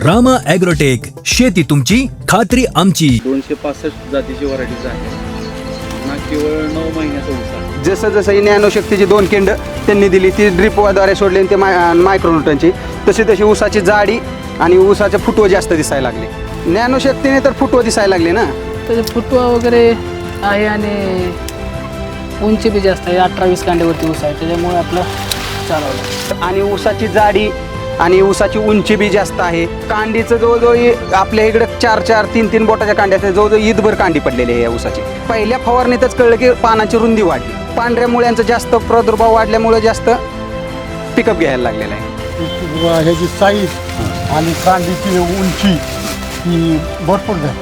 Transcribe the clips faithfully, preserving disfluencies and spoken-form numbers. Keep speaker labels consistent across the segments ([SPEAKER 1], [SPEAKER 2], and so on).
[SPEAKER 1] Rama agrotech, शेती तुमची खात्री आमची.
[SPEAKER 2] दोनशे पासष्ट जातीची व्हरायटीज आहे ना, केवळ नऊ महिन्याचा ऊस आहे.
[SPEAKER 3] जसं जसं ही नॅनोशक्तीची दोन केंड त्यांनी दिली ती ड्रिपद्वारे सोडली आणि ते माय मायक्रोन्यूटनची, तशी तशी ऊसाची जाडी आणि ऊसाचे फुटवं जास्त दिसायला लागले. नॅनोशक्तीने तर फुटवं दिसायला लागले ना.
[SPEAKER 4] त्याचे फुटवा वगैरे आहे आणि उंची बी जास्त आहे. अठरा वीस कांड्यावरती ऊस आहे, त्याच्यामुळे आपलं चालवलं.
[SPEAKER 3] आणि ऊसाची जाडी आणि ऊसाची उंची बी जास्त आहे. कांडीचं जवळजवळ आपल्या इकडे चार चार तीन तीन बोटाच्या कांड्या असतात, जवळजवळ ईदभर कांडी पडलेली आहे या ऊसाची. पहिल्या फवारणीतच कळलं की पानाची रुंदी वाढली, पांढऱ्या मुळ्यांचा जास्त प्रादुर्भाव वाढल्यामुळे जास्त पिकअप घ्यायला लागलेला आहे.
[SPEAKER 5] ह्याची साईज आणि कांडीची उंची ही भरपूर झाली.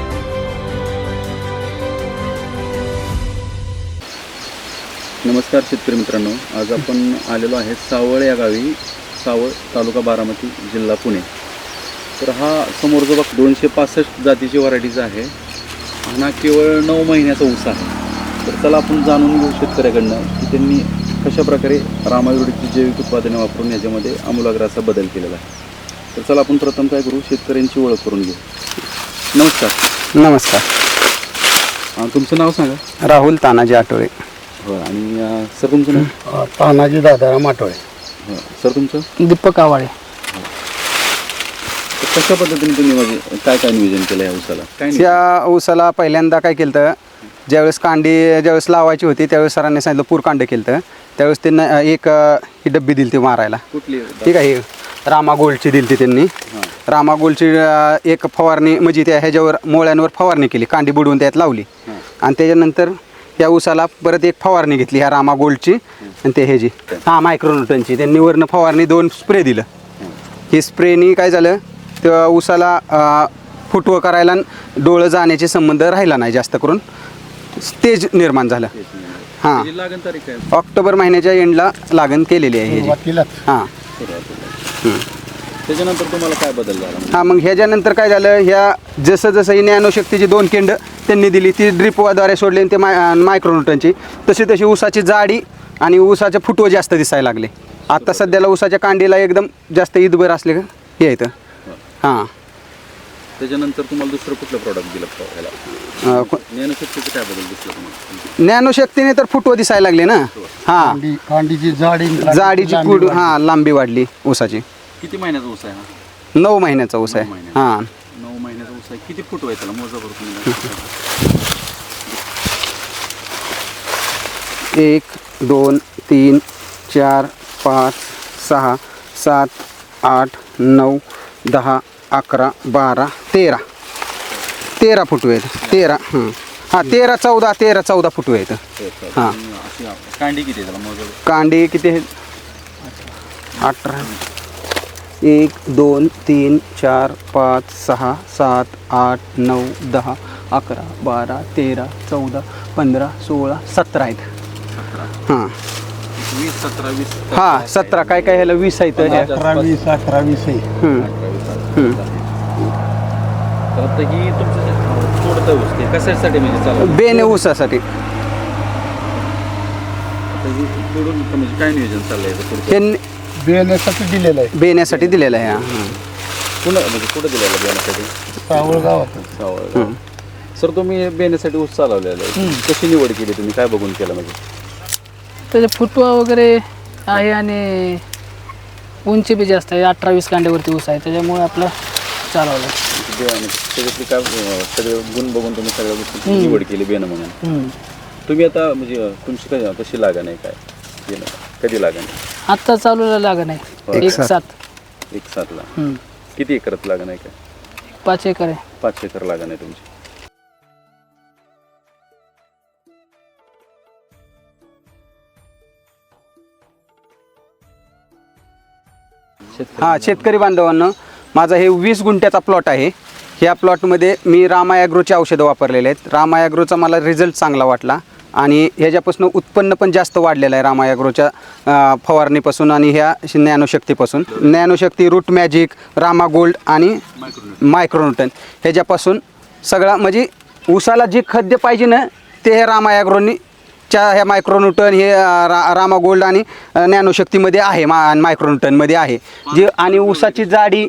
[SPEAKER 2] नमस्कार शेतकरी मित्रांनो, आज आपण आलेलो आहे सावळ या गावी, सावळ तालुका बारामती जिल्हा पुणे. तर हा समोर जो बघ दोनशे पासष्ट जातीची व्हरायटीज आहे ना, केवळ नऊ महिन्याचा ऊस आहे. तर चला आपण जाणून घेऊ शेतकऱ्याकडनं की त्यांनी कशाप्रकारे रामा ॲग्रोटेकची जैविक उत्पादने वापरून याच्यामध्ये आमूलाग्राचा बदल केलेला आहे. तर चला आपण प्रथम काय करू, शेतकऱ्यांची ओळख करून घेऊ. नमस्कार.
[SPEAKER 3] नमस्कार.
[SPEAKER 2] हां, तुमचं नाव सांगा.
[SPEAKER 3] राहुल तानाजी आठवळे.
[SPEAKER 2] हो, आणि अं, सर तुमचं नाव.
[SPEAKER 5] तानाजी दादाराम आठवळे.
[SPEAKER 2] हो, सर तुमचं.
[SPEAKER 4] दीपक आवाळे.
[SPEAKER 2] तर कशा पद्धतीने तुम्ही म्हणजे काय काय नियोजन केलं या ऊसाला? काय नाही.
[SPEAKER 3] त्या ऊसाला पहिल्यांदा काय केलं तर, ज्यावेळेस कांडी ज्यावेळेस लावायची होती त्यावेळेस सरांनी सांगितलं पूर कांड केलं तर, त्यावेळेस त्यांना एक अ, ही डब्बी दिली ती मारायला.
[SPEAKER 2] कुठली?
[SPEAKER 3] ठीक आहे, ही रामा गोल्डची दिली ती त्यांनी. रामा गोल्डची अ, एक फवारणी म्हणजे त्या ह्याच्यावर मोळ्यांवर फवारणी केली, कांडी बुडवून त्यात लावली. आणि त्याच्यानंतर या ऊसाला परत एक फवारणी घेतली ह्या रामा गोल्डची आणि ते ह्याची हां मायक्रोन्यूटनची. त्यांनी वरनं फवारणी दोन स्प्रे दिलं. ही स्प्रेनी काय झालं, त्या ऊसाला अ, फुटवं करायला डोळं जाण्याचे संबंध राहिला नाही, जास्त करून तेज निर्माण झालं. हां,
[SPEAKER 2] त्याची लागण तारीख काय?
[SPEAKER 3] ऑक्टोबर महिन्याच्या एंडला लागण केलेली आहे ह्याची.
[SPEAKER 5] सुरुवातीलाच
[SPEAKER 3] हां
[SPEAKER 2] त्याच्यानंतर तुम्हाला काय बदल झाला?
[SPEAKER 3] हां मग ह्याच्यानंतर काय झालं, ह्या जसं जसं ही नॅनोशक्तीची दोन केंड त्यांनी दिली ती ड्रिपद्वारे सोडली आणि ते माय मायक्रोन्यूटनची, तशी तशी ऊसाची जाडी आणि ऊसाचे फुटवं जास्त दिसायला लागले. आता सध्याला ऊसाच्या कांडीला एकदम जास्त ईदभर असले का हे येतं. हां,
[SPEAKER 2] त्याच्यानंतर तुम्हाला दुसरं कुठलं प्रॉडक्ट दिलं ह्याला?
[SPEAKER 3] अं, को-
[SPEAKER 2] ज्ञानशक्तीचं काय बदल दिसला तुम्हाला?
[SPEAKER 3] नॅनोशक्तीने तर फुटवं दिसायला लागले ना. हां,
[SPEAKER 5] कांडी कांडीची जाडी आणि कांडीची
[SPEAKER 3] जाडीची
[SPEAKER 5] लांबी
[SPEAKER 3] कुड
[SPEAKER 5] वाढली.
[SPEAKER 3] हां लांबी वाढली ऊसाची.
[SPEAKER 2] किती महिन्याचा ऊस आहे हा?
[SPEAKER 3] नऊ महिन्याचा ऊस आहे.
[SPEAKER 2] नऊ महिन्याचा.
[SPEAKER 3] हां,
[SPEAKER 2] नऊ महिन्याचा ऊस आहे. किती फूट आहे त्याला? मोजा बरं तुम्ही.
[SPEAKER 3] एक दोन तीन चार पाच सहा सात आठ नऊ दहा अकरा बारा तेरा तेरा फुटवे आहेत. तेरा हां हां तेरा चौदा तेरा चौदा फुटवे आहेत. हां,
[SPEAKER 2] अशी कांडी किती आहे त्याला? मोजा बरं.
[SPEAKER 3] कांडी किती आहेत? अठरा. एक दोन तीन चार पाच सहा सात आठ नऊ दहा अकरा बारा तेरा चौदा पंधरा सोळा सतरा आहेत. हां
[SPEAKER 2] वीस सतरा वीस
[SPEAKER 3] हां सतरा काय काय ह्याला वीस आहेत.
[SPEAKER 5] अठरा वीस अठरा वीस आहे.
[SPEAKER 3] हम्म. हम्म.
[SPEAKER 2] तर आता ही तुमचं तोडतं ऊस ते कशासाठी म्हणजे चालू?
[SPEAKER 3] बेने ऊसासाठी
[SPEAKER 2] आता ही तोडून म्हणजे काय नियोजन चाललंय याचं पुढचं?
[SPEAKER 3] हे
[SPEAKER 5] बियाण्यासाठी दिलेलं आहे.
[SPEAKER 3] बेण्यासाठी दिलेलं आहे. हां
[SPEAKER 2] पुन्हा म्हणजे कुठं दिलेलं बियाण्यासाठी?
[SPEAKER 5] सावळ गावात.
[SPEAKER 2] सावळ. सर तुम्ही बियाण्यासाठी ऊस चालवलेला आहे, कशी निवड केली तुम्ही? काय बघून केलं म्हणजे?
[SPEAKER 4] त्याचे फुटवा वगैरे आहे आणि उंची बी जास्त आहे. अठरा वीस कांड्यावरती ऊस आहे, त्याच्यामुळे आपलं चालवलं.
[SPEAKER 2] बियाणे त्याच्यातले काय अं, सगळे गुण बघून तुम्ही सगळ्या गोष्टी निवड केली बियाणं म्हणून.
[SPEAKER 4] हम्म.
[SPEAKER 2] तुम्ही आता म्हणजे तुमची काय कशी लागण आहे, काय बियाणं कधी लागण आहे?
[SPEAKER 4] आत्ता चालूला लागण आहे एक सात.
[SPEAKER 2] एक सातला.
[SPEAKER 4] हम्म.
[SPEAKER 2] किती एकरात लागण आहे? काय
[SPEAKER 4] पाच एकर आहे.
[SPEAKER 2] पाच एकर लागण आहे तुमची.
[SPEAKER 3] हां शेतकरी बांधवांनो, माझा हे वीस गुंठ्याचा प्लॉट आहे. ह्या प्लॉटमध्ये मी रामा ॲग्रोची औषधं वापरलेले आहेत. रामा ॲग्रोचा मला रिझल्ट चांगला वाटला आणि ह्याच्यापासून उत्पन्न पण जास्त वाढलेलं आहे रामा ॲग्रोच्या अ, फवारणीपासून आणि ह्या नॅनोशक्तीपासून. नॅनोशक्ती, रूट मॅजिक, रामा गोल्ड आणि मायक्रोन्यूटन ह्याच्यापासून सगळा म्हणजे ऊसाला जे खाद्य पाहिजे ना ते हे रामा ॲग्रोनी च्या ह्या मायक्रोन्यूटन हे रा रामा गोल्ड आणि नॅनोशक्तीमध्ये आहे. मा मायक्रोन्यूटनमध्ये आहे जे. आणि ऊसाची जाडी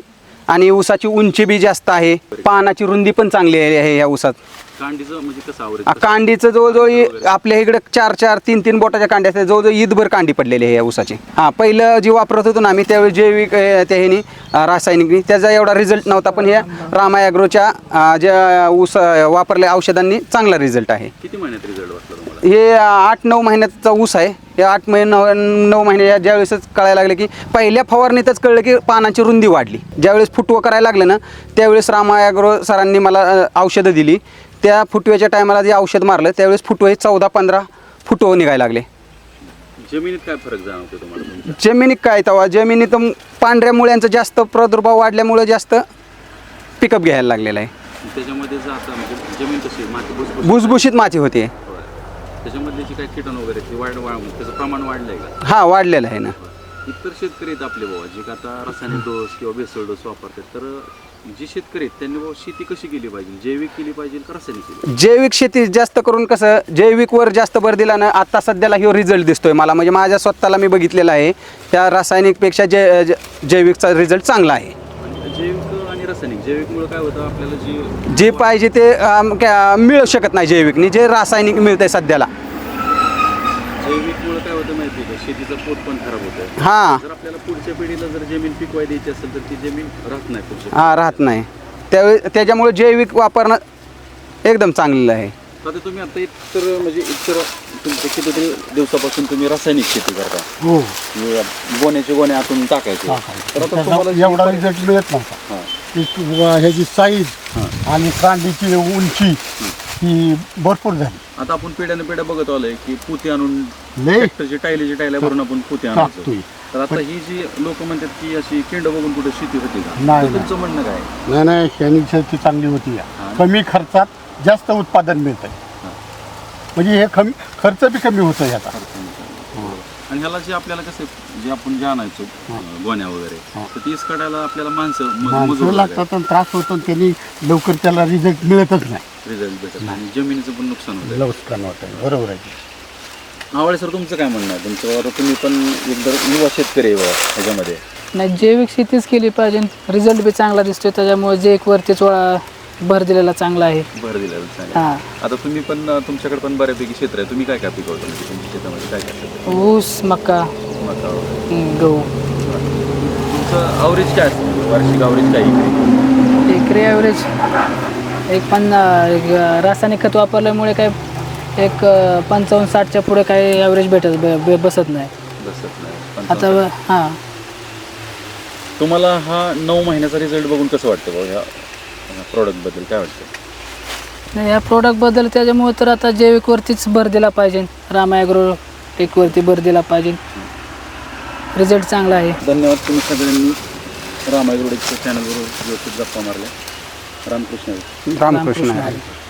[SPEAKER 3] आणि ऊसाची उंची बी जास्त आहे, पानाची रुंदी पण चांगली आहे ह्या ऊसात.
[SPEAKER 2] कांडीचं म्हणजे कसं
[SPEAKER 3] आ,
[SPEAKER 2] आवरेज
[SPEAKER 3] कांडीचं जवळजवळ इ- आपल्या इकडे चार चार तीन तीन बोटाच्या कांड्या असतात, जवळजवळ ईदभर कांडी पडलेली आहे या ऊसाची. हां, पहिलं जी वापरत होतो ना आम्ही त्यावेळी जैविक अ, त्या ह्यानी अ, रासायनिकनी त्याचा एवढा रिझल्ट नव्हता, पण ह्या रामा ॲग्रोच्या अ, ज्या ऊस अ, वापरल्या औषधांनी चांगला रिझल्ट आहे.
[SPEAKER 2] किती महिन्यात रिझल्ट वाटला तुम्हाला?
[SPEAKER 3] हे आठ नऊ महिन्याचा ऊस आहे. हे आठ महिने नऊ नऊ महिने या ज्यावेळेसच कळायला लागले की पहिल्या फवारणीतच कळलं की पानाची रुंदी वाढली. ज्यावेळेस फुटवं करायला लागलं ना त्यावेळेस रामा ॲग्रो सरांनी मला अ, औषधं दिली. त्या फुटव्याच्या टायमाला जे औषध मारलं त्यावेळेस फुटवे चौदा पंधरा फुटवं निघायला लागले.
[SPEAKER 2] जमिनीत काय फरक जाणवतो तुम्हाला तुमच्या?
[SPEAKER 3] जमिनीत काय तवा जमिनीत पांढऱ्या मुळ्यांचा जास्त प्रादुर्भाव वाढल्यामुळे जास्त पिकअप घ्यायला लागलेला आहे.
[SPEAKER 2] त्याच्यामध्ये जातं म्हणजे जमीन कशी आहे? माती भुसभुशीत
[SPEAKER 3] भुसभुशीत माती होते.
[SPEAKER 2] होय. त्याच्यामधले जे काही कीटण वगैरे ते वाढ वाढ त्याचं प्रमाण वाढलंय का?
[SPEAKER 3] हा वाढलेला आहे ना.
[SPEAKER 2] इतर शेतकरी आहेत आपले बाबा जे का आता रासायनिक डोस किंवा बेसल डोस वापरतात, तर जे शेतकरी आहेत त्यांनी बाबा शेती कशी केली पाहिजे? जैविक केली पाहिजे का रासायनिक केली पाहिजे?
[SPEAKER 3] जैविक शेती जास्त करून कसं जैविकवर जास्त भर दिला ना आता सध्याला ह्यो रिझल्ट दिसतोय मला, म्हणजे माझ्या स्वतःला मी बघितलेला आहे त्या रासायनिकपेक्षा जै ज- जैविकचा रिझल्ट चांगला आहे.
[SPEAKER 2] आणि जैविक आणि रासायनिक जैविकमुळे काय होतं आपल्याला जी
[SPEAKER 3] जे पाहिजे ते अम, क्या- मिळू शकत नाही जैविकने, जे रासायनिक मिळतंय सध्याला.
[SPEAKER 2] जैविकमुळे काय होतं माहिती आहे का? शेतीचं पोट पण खराब होतं.
[SPEAKER 3] हां
[SPEAKER 2] जर आपल्याला पुढच्या पिढीला जर जमीन पिकवाय द्यायची असेल तर ती जमीन राहत नाही पुढच्या
[SPEAKER 3] हां राहत नाही. त्यावेळी त्याच्यामुळे जैविक वापरणं एकदम चांगलेलं आहे.
[SPEAKER 2] पिढीला. आता तुम्ही आता इतर म्हणजे इतर तुमच्या कितीतरी दिवसापासून तुम्ही रासायनिक शेती करता,
[SPEAKER 5] हो
[SPEAKER 2] म्हणजे गोण्याचे गोणे आतून टाकायचे. तर आता तुम्हाला
[SPEAKER 5] त्याचा
[SPEAKER 2] जी
[SPEAKER 5] एवढा
[SPEAKER 2] परि-
[SPEAKER 5] रिझल्ट मिळत नव्हता.
[SPEAKER 2] हां.
[SPEAKER 5] ती तु- ह्याची साईज आणि कांडीची उंची ही भरपूर झाली.
[SPEAKER 2] आता आपण पिढ्याने पिढ्या बघत आलोय की पुती आणून
[SPEAKER 5] लय
[SPEAKER 2] ट्रॅक्टरची टायलीची टायल्या भरून आपण पुती आणायचो.
[SPEAKER 5] टाकतोय.
[SPEAKER 2] तर आता ही जी लोक म्हणतात की अशी किंड बघून कुठे शेती होती का?
[SPEAKER 5] नाही,
[SPEAKER 2] तर तुमचं म्हणणं काय?
[SPEAKER 5] नाही नाही ह्यानी शेती चांगली होती या.
[SPEAKER 2] हां.
[SPEAKER 5] कमी खर्चात जास्त उत्पादन मिळतं. म्हणजे हे कमी खर्च बी कमी होतं ह्याचा.
[SPEAKER 2] आणि ह्याला जे आपल्याला कसं जे आपण जे आणायचो अं, गोण्या वगैरे,
[SPEAKER 5] हां.
[SPEAKER 2] तर तीस काढायला आपल्याला माणसं म-
[SPEAKER 5] माणसं
[SPEAKER 2] मजूर
[SPEAKER 5] लागतात आणि त्रास होतो आणि त्यांनी लवकर त्याला रिझल्ट मिळतच नाही.
[SPEAKER 2] रिझल्ट भेटत नाही. आणि जमिनीचं पण नुकसान होतं.
[SPEAKER 5] लवकर होतं. बरोबर आहे.
[SPEAKER 2] आवळे सर तुमचं काय म्हणणं आहे? तुमचं आता तुम्ही पण एकदम युवा शेतकरी आहे बाबा ह्याच्यामध्ये.
[SPEAKER 4] नाही, जैविक शेतीच केली पाहिजे. रिझल्ट बी चांगला दिसतोय त्याच्यामुळे जैविकवरतीच वळा भर दिलेला चांगला आहे.
[SPEAKER 2] भर दिलेलं चांगलं.
[SPEAKER 4] हां,
[SPEAKER 2] आता तुम्ही पण अं, तुमच्याकडे पण बऱ्यापैकी क्षेत्र आहे. तुम्ही काय काय पिकवता म्हणजे तुमच्या शेतामध्ये काय काय पिकवता?
[SPEAKER 4] ऊस, मका,
[SPEAKER 2] मका वगैरे.
[SPEAKER 4] हं, गहू.
[SPEAKER 2] तुमचं अवरेज काय असतं? वार्षिक अवरेज काय इकडे?
[SPEAKER 4] एकरी ॲव्हरेज एक पन्ना एक रासायनिक खत वापरल्यामुळे काय एक अं, पंचावन्न साठच्या पुढे काय ॲव्हरेज भेटत ब- ब- बसत नाही.
[SPEAKER 2] बसत नाही.
[SPEAKER 4] आता हां,
[SPEAKER 2] तुम्हाला हा नऊ महिन्याचा रिझल्ट बघून कसं वाटतं भाऊ? ह्या प्रॉडक्टबद्दल काय वाटतं?
[SPEAKER 4] नाही, या प्रोडक्टबद्दल त्याच्यामुळे तर आता जैविकवरतीच भर दिला पाहिजे. रामा ॲग्रो टेकवरती भर दिला पाहिजे. रिझल्ट चांगला आहे.
[SPEAKER 2] धन्यवाद. तुम्ही सगळ्यांनी रामायगुडेच्या चॅनलवर व्यवस्थित गप्पा मारल्या. रामकृष्ण.
[SPEAKER 3] रामकृष्ण हरी.